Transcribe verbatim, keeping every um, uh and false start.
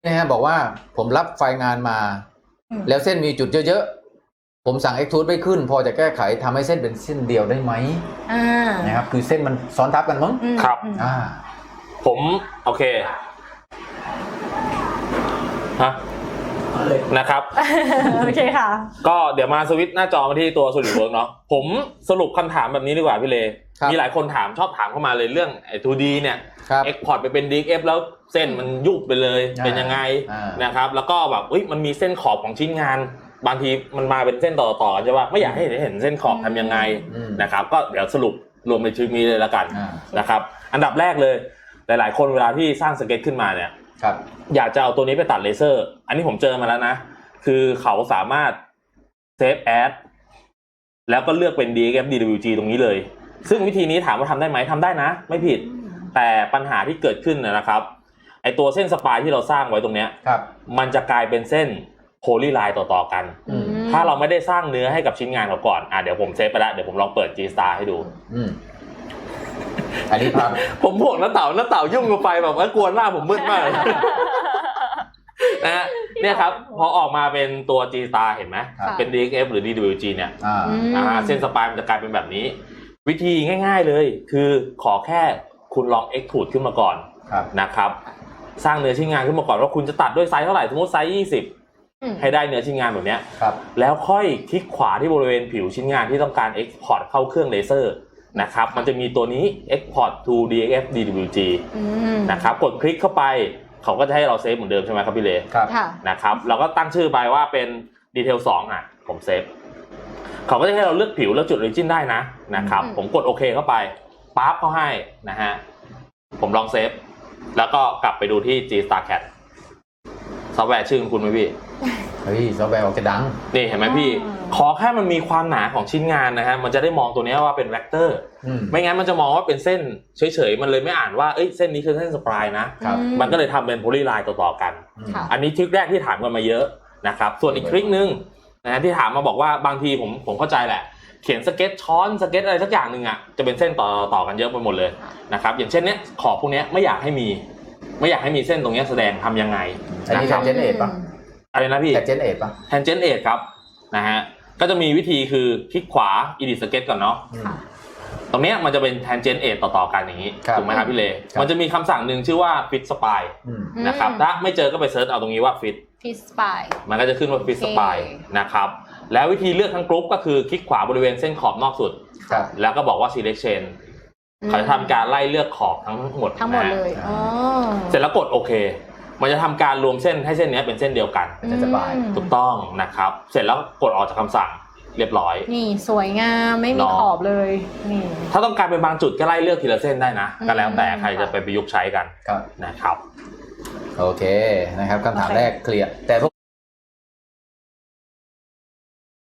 นะฮะบอกว่าผมรับไฟล์งานมาแล้วเส้นมีจุดเยอะๆผมสั่ง Extrude ไม่ขึ้นพอจะแก้ไขทำให้เส้นเป็นเส้นเดียวได้ไหมนะครับคือเส้นมันซ้อนทับกันมั้งครับอ่าผมโอเคฮะนะครับโอเคค่ะก็เดี๋ยวมาสวิตช์หน้าจอมาที่ตัว SolidWorks เนาะผมสรุปคำถามแบบนี้ดีกว่าพี่เลมีหลายคนถามชอบถามเข้ามาเลยเรื่องไอ้ ทู ดี เนี่ย export ไปเป็น ดี เอ็กซ์ เอฟ แล้วเส้นมันยุบไปเลยเป็นยังไงนะครับแล้วก็แบบอุ๊ยมันมีเส้นขอบของชิ้นงานบางทีมันมาเป็นเส้นต่อๆใช่ป่ะไม่อยากให้เห็นเส้นขอบทำยังไงนะครับก็เดี๋ยวสรุปรวมในชื่อนี้เลยละกันนะครับอันดับแรกเลยหลายๆคนเวลาที่สร้างสเก็ตขึ้นมาเนี่ยอยากจะเอาตัวนี้ไปตัดเลเซอร์อันนี้ผมเจอมาแล้วนะคือเขาสามารถเซฟแอดแล้วก็เลือกเป็น ดี เอ็กซ์ เอฟ ดี ดับเบิลยู จี ตรงนี้เลยซึ่งวิธีนี้ถามว่าทำได้ไหมทำได้นะไม่ผิดแต่ปัญหาที่เกิดขึ้นนะครับไอตัวเส้นสปายที่เราสร้างไว้ตรงเนี้ยมันจะกลายเป็นเส้นโพลีไลน์ต่อๆกันถ้าเราไม่ได้สร้างเนื้อให้กับชิ้นงานเขาก่อนอ่ะเดี๋ยวผมเซฟไปแล้วเดี๋ยวผมลองเปิด G Star ให้ดูอันนี้ครับผมพวกน้าเต่าน้าเต่ายุ่งกับไฟแบบว่ากวนมากผมมืดมากนะฮะเนี่ยครับพอออกมาเป็นตัว G Star เห็นไหมเป็น ดี เอ็กซ์ เอฟ หรือ ดี ดับเบิลยู จี เนี่ยอ่าเส้นสปายมันจะกลายเป็นแบบนี้วิธีง่ายๆเลยคือขอแค่คุณลอง Extrude ขึ้นมาก่อนนะครับสร้างเนื้อชิ้นงานขึ้นมาก่อนว่าคุณจะตัดด้วยไซส์เท่าไหร่สมมติไซส์ยี่สิบให้ได้เนื้อชิ้นงานแบบนี้แล้วค่อยคลิกขวาที่บริเวณผิวชิ้นงานที่ต้องการ Export เข้าเครื่องเลเซอร์นะครับมันจะมีตัวนี้ Export to ดี เอ็กซ์ เอฟ ดี ดับเบิลยู จี นะครับกดคลิกเข้าไปเขาก็จะให้เราเซฟเหมือนเดิมใช่ไหมครับพี่เลนะครับเราก็ตั้งชื่อไปว่าเป็น Detail สองอ่ะผมเซฟเขาก็จะให้เราเลือกผิวแล้วจุด Origin ได้นะนะครับผมกดโอเคเข้าไปปั๊บเขาให้นะฮะผมลองเซฟแล้วก็กลับไปดูที่ G Star แคท ซอฟต์แวร์ชื่อคุณไหมพี่เฮ้ยซอฟต์แวร์ออกจะดังนี่เห็นไหมพี่ขอแค่มันมีความหนาของชิ้นงานนะฮะมันจะได้มองตัวนี้ว่าเป็นแวคเตอร์ไม่งั้นมันจะมองว่าเป็นเส้นเฉยๆมันเลยไม่อ่านว่าเอ้ยเส้นนี้คือเส้นสปายนะมันก็เลยทำเป็นโพลีไลน์ต่อๆกันอันนี้ทริคแรกที่ถามกันมาเยอะนะครับส่วนอีกทริคนึงนะที่ถามมาบอกว่าบางทีผมผมเข้าใจแหละเขียนสเก็ตช้อนสเก็ตอะไรสักอย่างหนึ่งอ่ะจะเป็นเส้นต่อต่อกันเยอะไปหมดเลยนะครับอย่างเช่นเนี้ยขอบพวกนี้ไม่อยากให้มีไม่อยากให้มีเส้นตรงนี้แสดงทำยังไงอันนี้ Tangent ป่ะอะไรนะพี่ Tangent ป่ะ Tangent ครับนะฮะก็จะมีวิธีคือคลิกขวา Edit Sketch ก่อนเนาะตรงนี้มันจะเป็น Tangent ต่อๆกันอย่างนี้ถูกไหมครับพี่เลมันจะมีคำสั่งหนึ่งชื่อว่า Fit Spline นะครับถ้าไม่เจอก็ไปเซิร์ชเอาตรงนี้ว่า Fit Fit Spline มันก็จะขึ้นว่า Fit Spline นะครับแล้ววิธีเลือกทั้งกรุ๊ปก็คือคลิกขวาบริเวณเส้นขอบนอกสุดแล้วก็บอกว่า Select Chain เขาจะทำการไล่เลือกขอบทั้งหมดทั้งหมดเลยเสร็จแล้วกดโอเคมันจะทำการรวมเส้นให้เส้นนี้เป็นเส้นเดียวกันจะสบายถูกต้องนะครับเสร็จแล้วกดออกจากคำสั่งเรียบร้อยนี่สวยงามไม่มีขอบเลยนี่ถ้าต้องการเป็นบางจุดก็ไล่เลือกทีละเส้นได้นะก็แล้วแต่ใครจะไปประยุกต์ใช้กันนะครับโอเคนะครับคำถามแรกเคลียร์แต่